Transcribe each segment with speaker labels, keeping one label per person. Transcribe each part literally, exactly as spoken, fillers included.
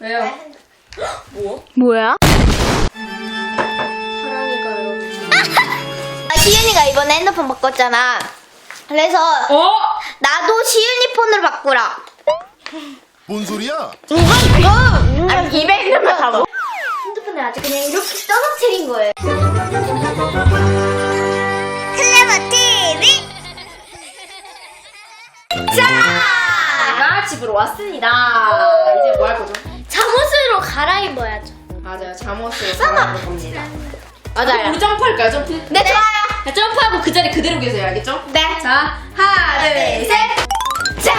Speaker 1: 왜요? 뭐?
Speaker 2: 뭐야?
Speaker 1: 사랑이가 여러분.
Speaker 3: 아, 시윤이가 이번에 핸드폰 바꿨잖아. 그래서
Speaker 1: 어?
Speaker 3: 나도 시윤이 폰으로 바꾸라.
Speaker 4: 뭔 소리야?
Speaker 3: 이건 이거
Speaker 2: 아니 이백만 가고?
Speaker 3: 핸드폰을 아주 그냥 이렇게 떨어뜨린 거예요. 클레버 티비. 자,
Speaker 1: 제가 집으로 왔습니다. 이제 뭐 할 거죠?
Speaker 3: 잠옷으로 갈아입어야죠.
Speaker 1: 맞아요. 잠옷을 갈아입을 겁니다.
Speaker 3: 맞아요.
Speaker 1: 우리 점프할까요? 점프?
Speaker 3: 네, 좋아요.
Speaker 1: 자, 점프하고 그 자리 그대로 계세요. 알겠죠?
Speaker 3: 네.
Speaker 1: 자, 하나, 둘, 셋.
Speaker 3: 자,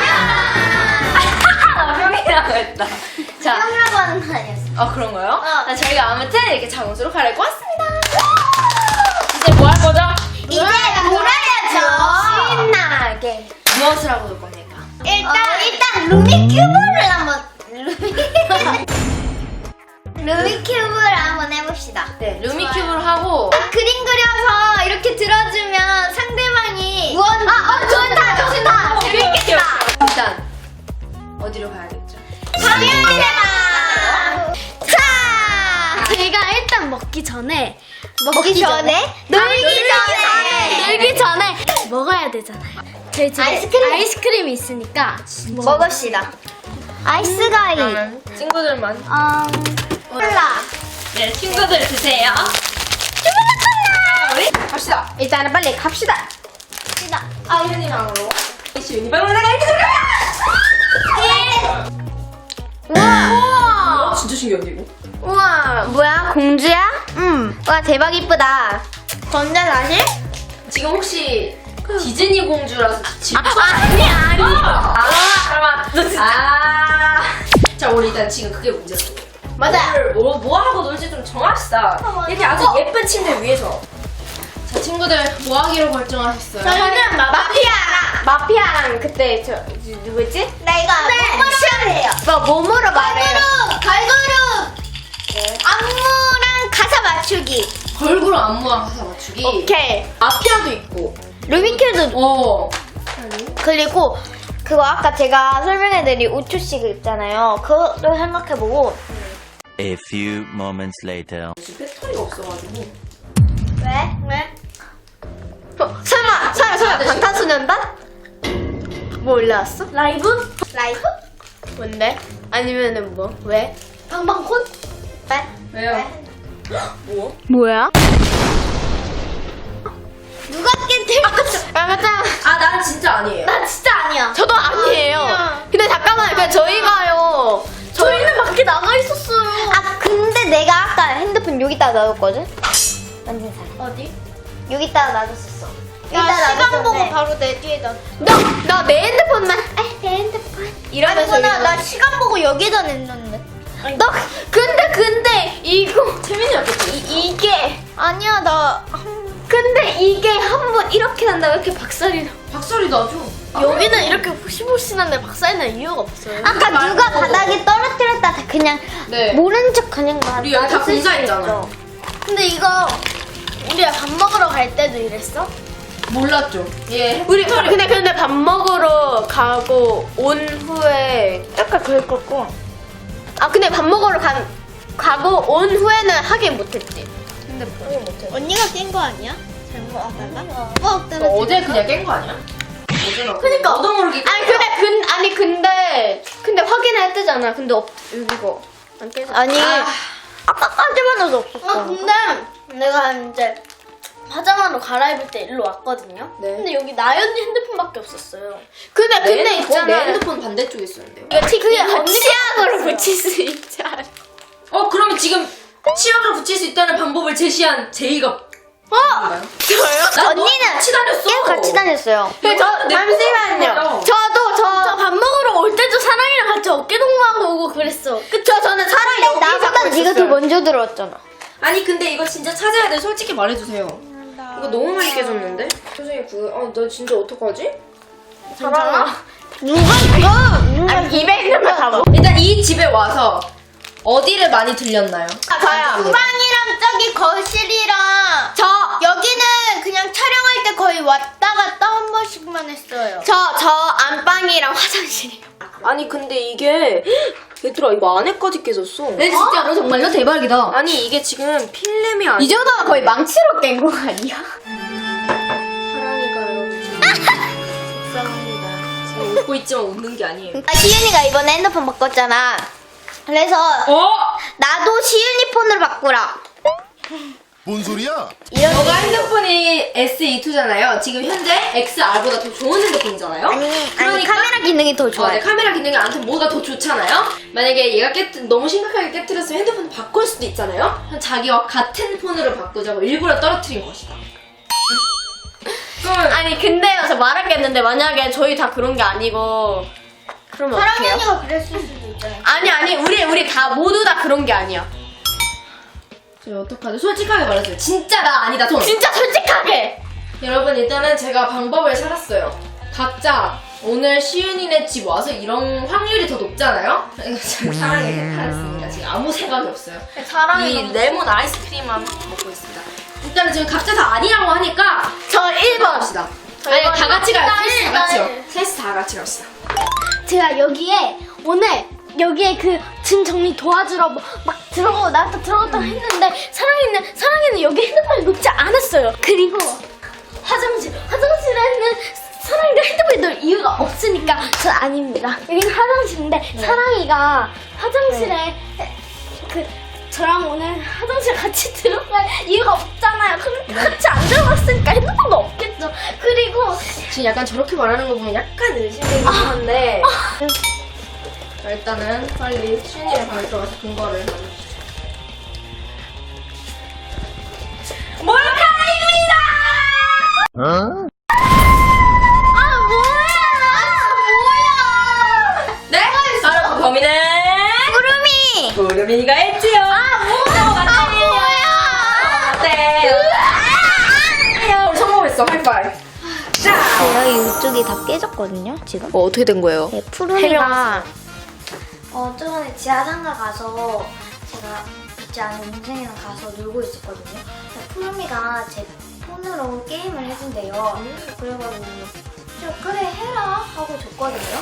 Speaker 1: 형이라고 했다. 자,
Speaker 3: 형이라고 하는 거 아니었어.
Speaker 1: 아 그런가요?
Speaker 3: 어.
Speaker 1: 자, 저희가 아무튼 이렇게 잠옷으로 갈아입고 왔습니다. 이제 뭐 할 거죠?
Speaker 3: 이제 놀아야죠. 신나게.
Speaker 1: 무엇을 하고 놀 겁니까?
Speaker 3: 일단 일단 루미큐브를 한번 루미 루미큐브를 한번 해봅시다.
Speaker 1: 네, 루미큐브를 하고
Speaker 3: 그림 그려서 이렇게 들어주면 상대방이 무언 아, 어, 좋다, 좋다, 재밌겠다.
Speaker 1: 일단 어디로 가야겠죠?
Speaker 3: 방향제다. 자,
Speaker 2: 제가 일단 먹기 전에
Speaker 3: 먹기 전에, 놀기 전에,
Speaker 2: 놀기 전에 먹어야 되잖아요. 저희 집에
Speaker 3: 아이스크림.
Speaker 2: 아이스크림이 있으니까
Speaker 3: 먹읍시다. 아이스가이,
Speaker 1: 그러면 친구들만.
Speaker 2: 음,
Speaker 3: 콜라.
Speaker 1: 네, 친구들 드세요. 우리 갑시다.
Speaker 3: 일단은 빨리 갑시다. 갑시다.
Speaker 1: 아, 유니방으로. 이시 유니방으로 나가 이렇게 들어가.
Speaker 3: 우와.
Speaker 1: 진짜 신기한데 이거?
Speaker 3: 우와, 뭐야? 공주야? 응. 와, 대박 이쁘다. 전자사실?
Speaker 1: 지금 혹시 디즈니 공주라서 지금
Speaker 3: 아니, 아니.
Speaker 1: 아, 잠깐만. 너 진짜. 아. 자, 우리 일단 지금 그게 문제였어.
Speaker 3: 맞아요.
Speaker 1: 뭐, 뭐 하고 놀지 좀 정합시다.
Speaker 3: 맞아.
Speaker 1: 이렇게 아주 예쁜 침대 위에서. 자, 친구들 뭐 하기로 결정하셨어요?
Speaker 3: 저희는 마피아랑
Speaker 2: 마피아랑 그때 저 누구지?
Speaker 3: 나 이거 뭐뭐로 말해요.
Speaker 2: 뭐 몸으로 말해요.
Speaker 3: 갈고루, 갈고루,
Speaker 1: 네.
Speaker 3: 안무랑 가사 맞추기.
Speaker 1: 걸그룹 안무랑 가사 맞추기.
Speaker 2: 오케이.
Speaker 1: 마피아도 있고.
Speaker 3: 루미큐도
Speaker 1: 어.
Speaker 3: 그리고 그거 아까 제가 설명해드린 오 초씩 있잖아요. 그것도 생각해보고.
Speaker 5: A few moments later.
Speaker 1: 지금 배터리가 없어가지고.
Speaker 3: 왜? 왜?
Speaker 2: 어, 설마 설마 설마 방탄소년단? 뭐 올라왔어?
Speaker 3: 라이브? 라이브?
Speaker 2: 뭔데? 아니면은 뭐? 왜?
Speaker 3: 방방콘? 왜?
Speaker 1: 왜요? 뭐?
Speaker 2: 뭐야?
Speaker 3: 누가 깬
Speaker 2: 아 맞다.
Speaker 1: 아, 난 진짜 아니에요.
Speaker 3: 나 진짜 아니야.
Speaker 2: 저도 아니에요.
Speaker 3: 아니야.
Speaker 2: 근데 잠깐만요. 그냥 저희가요. 저희는 밖에 나가 있었어요.
Speaker 3: 아 근데 내가 아까 핸드폰 여기다가 놔뒀거든? 완전 잘.
Speaker 2: 어디?
Speaker 3: 여기다가 놔뒀었어.
Speaker 2: 야,
Speaker 3: 여기다가
Speaker 2: 시간 보고
Speaker 3: 놔뒀는데.
Speaker 2: 바로 내 뒤에다. 나 나 내 핸드폰만.
Speaker 3: 아, 내 핸드폰.
Speaker 2: 이러면서
Speaker 3: 아니구나.
Speaker 2: 이거.
Speaker 3: 나 시간 보고 여기다 냈는데.
Speaker 2: 너 근데 근데 이거
Speaker 1: 재민이 없겠지?
Speaker 2: 이, 이게
Speaker 3: 아니야 나.
Speaker 2: 근데 이게 한 번 이렇게 난다고 이렇게 박살이 나.
Speaker 1: 박소리 나죠?
Speaker 2: 여기는 이렇게 호시호시한데 박살이 날 이유가 없어요.
Speaker 3: 아까 누가 바닥에 떨어뜨렸다 다 그냥
Speaker 1: 네.
Speaker 3: 모른 척 그냥 놔.
Speaker 1: 우리 여기 다
Speaker 3: 놔뒀을 수도
Speaker 1: 공사했잖아.
Speaker 3: 있죠.
Speaker 2: 근데 이거 우리가 밥 먹으러 갈 때도 이랬어?
Speaker 1: 몰랐죠? 예.
Speaker 2: 우리 근데 근데 밥 먹으러 가고 온 후에 약간 그럴 거고. 아 근데 밥 먹으러 간 가고 온 후에는 하긴 못했지.
Speaker 1: 근데 뭐 못해.
Speaker 3: 언니가 깬 거 아니야? 잘못 하다가? 어,
Speaker 1: 너 어제 그냥 깬 거 아니야? 어제가
Speaker 2: 그니까.
Speaker 1: 너도 모르게
Speaker 2: 아니 근데 근 아니 근데 근데 확인할 때잖아. 근데 없 여기가 안 깨져.
Speaker 3: 아니
Speaker 1: 아.
Speaker 3: 아까까지만 해도 없었어.
Speaker 2: 아 근데 내가 이제 화장하러 갈아입을 때 일로 왔거든요.
Speaker 1: 네.
Speaker 2: 근데 여기 나연이 핸드폰밖에 없었어요. 근데 근데
Speaker 1: 내,
Speaker 2: 있잖아.
Speaker 1: 내 핸드폰 반대쪽에 있었는데요.
Speaker 2: 이거 티 그게
Speaker 3: 언니가
Speaker 2: 치약으로 붙일 수 있잖아.
Speaker 1: 어, 그러면 지금 치약을 붙일 수 있다는 방법을 제시한 제이가
Speaker 2: 어? 저요?
Speaker 1: 난
Speaker 3: 언니는
Speaker 1: 같이 다녔어.
Speaker 3: 계속 같이 다녔어요.
Speaker 2: 그 저
Speaker 1: 내
Speaker 2: 잠시만요.
Speaker 1: 폰으로
Speaker 2: 저도 저 저 밥 먹으러 올 때도 사랑이랑 같이 어깨 동무하고 오고 그랬어. 그쵸? 저는 사랑
Speaker 3: 근데
Speaker 2: 여기
Speaker 3: 나보다
Speaker 2: 잡고
Speaker 3: 네가 더
Speaker 2: 있었어요.
Speaker 3: 먼저 들어왔잖아.
Speaker 1: 아니 근데 이거 진짜 찾아야 돼. 솔직히 말해주세요. 이거 너무 많이 깨졌는데? 선생님 그, 어, 나 진짜 어떡하지?
Speaker 2: 괜찮아?
Speaker 3: 누가 이거?
Speaker 2: 아니 이백만 가고.
Speaker 1: 일단 이 집에 와서 어디를 많이 들렸나요?
Speaker 2: 아, 저요.
Speaker 3: 주방이랑 저기 거실이랑
Speaker 2: 저
Speaker 3: 여기는 그냥 촬영할 때 거의 왔다 갔다 한 번씩만 했어요.
Speaker 2: 저 저 안방이랑 화장실이요.
Speaker 1: 아니 근데 이게 얘들아 이거 안에까지 깨졌어.
Speaker 2: 네 진짜로 정말요? 대박이다.
Speaker 1: 아니 이게 지금 필름이 아니야.
Speaker 2: 이 정도면 거의 망치로 깬 거 아니야?
Speaker 1: 사랑이가 여러분 지금 속상합니다. 지금 웃고 있지만 웃는 게 아니에요.
Speaker 3: 아, 시윤이가 이번에 핸드폰 바꿨잖아. 그래서
Speaker 1: 어?
Speaker 3: 나도 시윤이 폰으로 바꾸라.
Speaker 4: 뭔 소리야?
Speaker 3: 이런
Speaker 1: 너가 핸드폰이 에스 이투잖아요. 지금 현재 엑스알보다 더 좋은 핸드폰이잖아요.
Speaker 3: 아니 아니
Speaker 1: 그러니까-
Speaker 3: 카메라 기능이 더
Speaker 1: 어,
Speaker 3: 좋아요.
Speaker 1: 네, 카메라 기능이 아무튼 뭐가 더 좋잖아요. 만약에 얘가 깨 너무 심각하게 깨뜨렸으면 핸드폰 바꿀 수도 있잖아요. 그럼 자기와 같은 폰으로 바꾸자고 일부러 떨어뜨린 것이다. 그럼
Speaker 2: 아니 근데요 저 말하겠는데 만약에 저희 다 그런 게 아니고 그러면 어떡해요?
Speaker 3: 사랑이가 그랬을 수도 있잖아요.
Speaker 2: 아니 아니 우리 우리 다 모두 다 그런 게 아니야.
Speaker 1: 저희 어떡하죠? 솔직하게 말해주세요. 진짜 나 아니다 돈.
Speaker 2: 진짜 솔직하게.
Speaker 1: 여러분 일단은 제가 방법을 찾았어요. 각자 오늘 시윤이네 집 와서 이런 확률이 더 높잖아요? 지금 사랑에 해탈했습니다. 지금 아무 생각이 없어요. 이 레몬 아이스크림만 먹고 있습니다. 일단은 지금 각자 다 아니라고 하니까
Speaker 2: 저 일 번.
Speaker 1: 갑시다. 아니 다 같이 가요. 셋이 다 같이요.
Speaker 3: 일.
Speaker 1: 셋이 다 같이 갑시다.
Speaker 6: 제가 여기에 오늘 여기에 그 짐 정리 도와주러 뭐 막 들어가고 나왔다 들어갔다 했는데 사랑이는 사랑이는 여기 핸드폰이 놓지 않았어요. 그리고 화장실 화장실에는 사랑이가 핸드폰이 놓을 이유가 없으니까 저 아닙니다. 여기는 화장실인데 사랑이가 화장실에 그 저랑 오늘 화장실 같이 들어갈 이유가 없잖아요. 그럼 같이 안 들어갔으니까 핸드폰도 없겠죠. 그리고
Speaker 1: 지금 약간 저렇게 말하는 거 보면 약간 의심되긴 한데 자, 일단은 빨리 시윤이네 방에 들어가서 근거를 만들어주세요. 몰카입니다!
Speaker 4: 어?
Speaker 1: 네? 바로 그 범인은
Speaker 3: 구름이.
Speaker 1: 구름이가 했지요. 아 뭐야? 맞대요. 맞대요. 우리 성공했어. 하이파이브. 자.
Speaker 3: 여기 이쪽이 다 깨졌거든요. 지금.
Speaker 1: 뭐 어떻게 된 거예요?
Speaker 3: 네, 푸름이가 어 저번에 지하상가 가서 제가 믿지 않은 동생이랑 가서 놀고 있었거든요. 근데 푸름이가 제 폰으로 게임을 해준대요. 그래가지고 저 그래 해라 하고 줬거든요.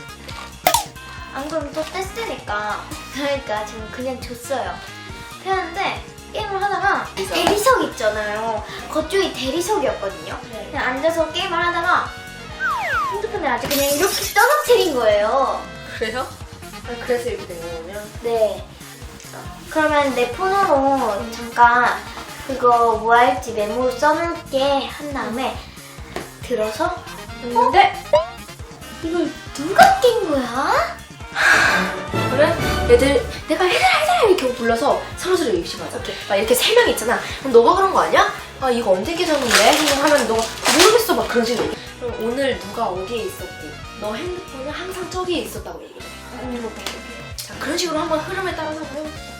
Speaker 3: 안 그러면 또 뗐으니까 그러니까 지금 그냥 줬어요. 했는데 게임을 하다가 대리석 있잖아요. 그쪽이 대리석이었거든요. 그냥 앉아서 게임을 하다가 핸드폰을 아주 그냥 이렇게 떨어뜨린 거예요.
Speaker 1: 그래요? 아, 그래서 이렇게 된 거군요.
Speaker 3: 네. 그러면 내 폰으로 잠깐 그거 뭐 할지 메모 써놓을게 한 다음에 들어서
Speaker 1: 했는데
Speaker 3: 이걸 누가 깬 거야?
Speaker 1: 그래? 얘들 내가 얘들아 얘들아 이렇게 불러서 서로서로 입시하자. 막 이렇게 세 명 있잖아. 그럼 너가 그런 거 아니야? 아 이거 언제 깨졌는데? 하면 너가 모르겠어 막 그런 식으로 얘기해. 그럼 오늘 누가 어디에 있었고 너 핸드폰은 항상 저기에 있었다고 얘기해. 자 그런 식으로 한번 흐름에 따라서 해봅시다.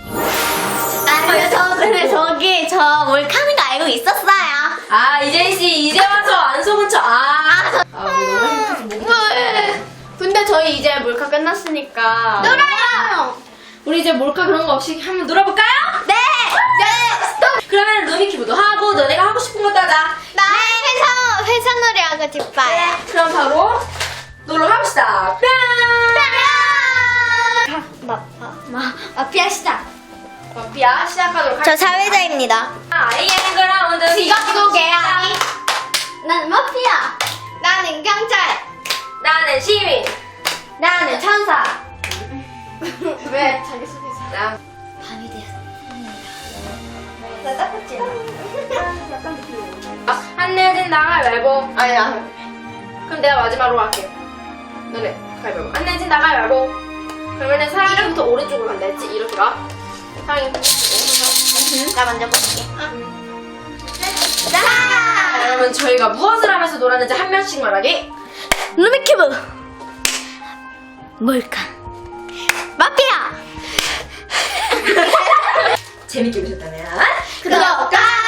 Speaker 3: 아, 저 근데 저기 저 몰카는 거 알고 있었어요.
Speaker 1: 아 이재희 씨 이제 와서 안 속은 척. 아, 아 우리 너무 행복해서 목이 다
Speaker 2: 근데 저희 이제 몰카 끝났으니까.
Speaker 3: 놀아요.
Speaker 1: 우리 이제 몰카 그런 거 없이 한번 놀아볼까요?
Speaker 3: 네. 네.
Speaker 1: 그러면 루미큐브도 하고 너네가 하고 싶은 것도 하자.
Speaker 3: 나 회사 회사 놀이하고 싶어요.
Speaker 1: 그럼 바로 놀러 갑시다. 뿅!
Speaker 3: 마마 마피아 시작.
Speaker 1: 마피아 시작하도록
Speaker 3: 저
Speaker 1: 할게요.
Speaker 3: 사회자입니다.
Speaker 1: 아이엠 그라운드
Speaker 3: 지각도 개야. 난 마피아. 나는 경찰.
Speaker 1: 나는 시민.
Speaker 3: 나는 천사.
Speaker 1: 왜 자기 소개서? 나
Speaker 3: 밤이 되었습니다. 나 딱딱지.
Speaker 1: 안내진 나가위바위보. 아니야. 그럼 내가 마지막으로 할게. 너네 가위바위보. 안내진 나가위바위보. 그러면은 사랑이부터 오른쪽으로 간다 했지? 이렇게 가. 사랑이
Speaker 3: 나 먼저 볼게.
Speaker 1: 자, 여러분 저희가 무엇을 하면서 놀았는지 한 명씩 말하기.
Speaker 6: 루미큐브
Speaker 3: 뭘까? 마피아.
Speaker 1: 재밌게 보셨다면
Speaker 3: 구독과